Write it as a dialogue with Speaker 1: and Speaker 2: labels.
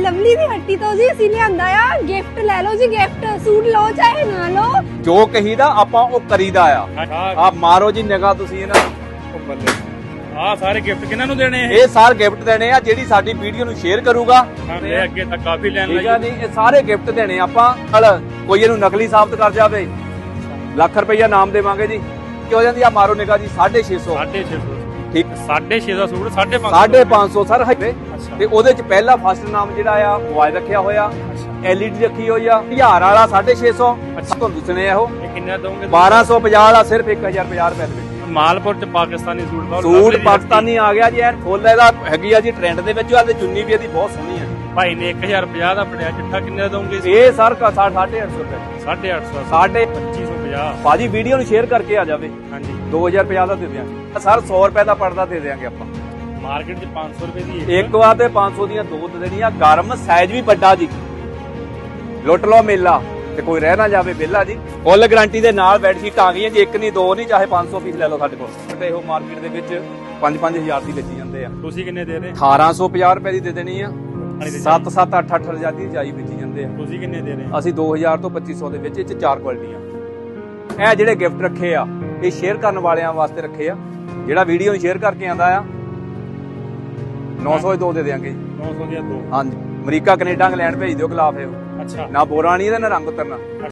Speaker 1: Lovely ਦੀ ਹੱਟੀ ਤੋਂ ਜੀ ਅਸੀਂ ਲਿਆਂਦਾ ਆ ਗਿਫਟ ਲੈ ਲਓ ਜੀ ਗਿਫਟ ਸੂਟ ਲਓ ਚਾਹੇ ਨਾ ਲਓ
Speaker 2: ਜੋ ਕਹੀਦਾ ਆਪਾਂ ਉਹ ਕਰੀਦਾ ਆ ਮਾਰੋ ਜੀ ਨਿਗਾਹ ਤੁਸੀਂ ਇਹਨਾਂ
Speaker 3: ਆ ਸਾਰੇ ਗਿਫਟ ਕਿਹਨਾਂ ਨੂੰ ਦੇਣੇ
Speaker 2: ਇਹ ਸਾਰੇ ਗਿਫਟ ਦੇਣੇ ਆ ਜਿਹੜੀ ਸਾਡੀ ਵੀਡੀਓ ਨੂੰ ਸ਼ੇਅਰ ਕਰੂਗਾ
Speaker 3: ਇਹ ਅੱਗੇ ਤਾਂ ਕਾਫੀ ਲੈਣ
Speaker 2: ਠੀਕ ਆ ਜੀ ਇਹ ਸਾਰੇ ਗਿਫਟ ਦੇਣੇ ਆਪਾਂ ਨਾਲ ਕੋਈ ਇਹਨੂੰ ਨਕਲੀ ਸਾਬਤ ਕਰ ਜਾਵੇ ਲੱਖ ਰੁਪਈਆ ਨਾਮ ਦੇਵਾਂਗੇ ਜੀ ਕੀ ਹੋ ਜਾਂਦੀ ਆ ਮਾਰੋ ਨਿਗਾਹ ਜੀ 650 ਠੀਕ
Speaker 3: 650 ਦਾ ਸੂਟ 550
Speaker 2: 550 ਸਰ ਹੈ ਤੇ ਉਹਦੇ ਚ ਪਹਿਲਾ ਫਸਟ ਨਾਮ ਜਿਹੜਾ ਆ ਮੋਬਾਈਲ ਰੱਖਿਆ ਹੋਇਆ LED ਰੱਖੀ ਹੋਈ ਆ 1000 ਵਾਲਾ 650 ਤੁਹਾਨੂੰ ਦੱਸਣੇ ਆ ਉਹ
Speaker 3: ਇਹ ਕਿੰਨਾ ਦੋਗੇ
Speaker 2: 1250 ਵਾਲਾ ਸਿਰਫ 1050 ਰੁਪਏ ਦੇ ਵਿੱਚ
Speaker 3: ਮਾਲਪੁਰ ਚ ਪਾਕਿਸਤਾਨੀ
Speaker 2: ਸੂਟ ਪਾਕਿਸਤਾਨੀ ਆ ਗਿਆ ਜੀ ਐਨ ਫੁੱਲ ਇਹਦਾ ਹੈਗੀ ਆ ਜੀ ਟ੍ਰੈਂਡ ਦੇ ਵਿੱਚ ਆ ਤੇ ਚੁੰਨੀ ਵੀ ਇਹਦੀ ਬਹੁਤ ਸੋਹਣੀ ਆ
Speaker 3: ਭਾਈ ਨੇ 1050 ਦਾ ਬਣਿਆ ਚਿੱਠਾ ਕਿੰਨੇ ਦਾ ਦੋਗੇ
Speaker 2: ਇਹ ਸਰ 850 ਰੁਪਏ
Speaker 3: 850 2550
Speaker 2: ਭਾਜੀ ਵੀਡੀਓ ਨੂੰ ਸ਼ੇਅਰ ਕਰਕੇ ਆ ਜਾਵੇ
Speaker 3: ਹਾਂਜੀ
Speaker 2: 2050 ਦਾ ਦੇ ਦਿਆਂਗੇ ਸਰ 100 ਰੁਪਏ ਦਾ ਪਰਦਾ ਦੇ ਦਿਆਂਗੇ ਆਪਾਂ
Speaker 3: ਮਾਰਕੀਟ ਚ 500 ਰੁਪਏ ਦੀ
Speaker 2: ਇੱਕ ਵਾਰ ਤੇ 500 ਦੀਆਂ ਦੋ ਦੇ ਦੇਣੀਆਂ ਗਰਮ ਸਾਈਜ਼ ਵੀ ਵੱਡਾ ਜੀ ਲੁੱਟ ਲਓ ਮੇਲਾ ਤੇ ਕੋਈ ਰਹਿ ਨਾ ਜਾਵੇ ਵਿਹਲਾ ਜੀ ਫੁੱਲ ਗਾਰੰਟੀ ਦੇ ਨਾਲ ਬੈੱਡ ਸ਼ੀਟ ਆ ਗਈਆਂ ਜੀ ਇੱਕ ਨਹੀਂ ਦੋ ਨਹੀਂ ਚਾਹੇ 500 ਪੀਸ ਲੈ ਲਓ ਸਾਡੇ ਕੋਲ ਤੇ ਉਹ ਮਾਰਕੀਟ ਦੇ ਵਿੱਚ 5-5000 ਦੀ ਵੇਚੀ ਜਾਂਦੇ ਆ
Speaker 3: ਤੁਸੀਂ ਕਿੰਨੇ ਦੇ ਰਹੇ
Speaker 2: 1850 ਰੁਪਏ ਦੀ ਦੇ ਦੇਣੀ ਆ 7-7 8-8 ਹਜ਼ਾਰ ਦੀ ਜਾਈ ਵੇਚੀ ਜਾਂਦੇ ਆ
Speaker 3: ਤੁਸੀਂ ਕਿੰਨੇ ਦੇ ਰਹੇ
Speaker 2: ਅਸੀਂ 2000 ਤੋਂ 2500 ਦੇ ਵਿੱਚ ਇਹ ਚ ਚਾਰ ਕੁਆਲਿਟੀਆਂ ਇਹ ਜਿਹੜੇ ਗਿਫਟ ਰੱਖੇ ਆ ਇਹ ਸ਼ੇਅਰ ਕਰਨ ਵਾਲਿਆਂ ਵਾਸਤੇ ਰੱਖੇ ਆ ਜਿਹੜਾ ਵੀਡੀਓ ਨੂੰ ਸ਼ੇਅਰ ਕਰਕੇ ਆਂਦਾ ਆ 900 ਦੇ ਦੋ ਦੇ ਦੇਾਂਗੇ
Speaker 3: 900 ਦੀਆਂ ਦੋ
Speaker 2: ਹਾਂਜੀ ਅਮਰੀਕਾ ਕੈਨੇਡਾ ਇੰਗਲੈਂਡ ਭੇਜ ਦਿਓ ਗਲਾਫ ਇਹ
Speaker 3: ਅੱਛਾ
Speaker 2: ਨਾ ਬੋਰਾ ਨਹੀਂ ਇਹਦਾ ਨਾ ਰੰਗ ਉਤਰਨਾ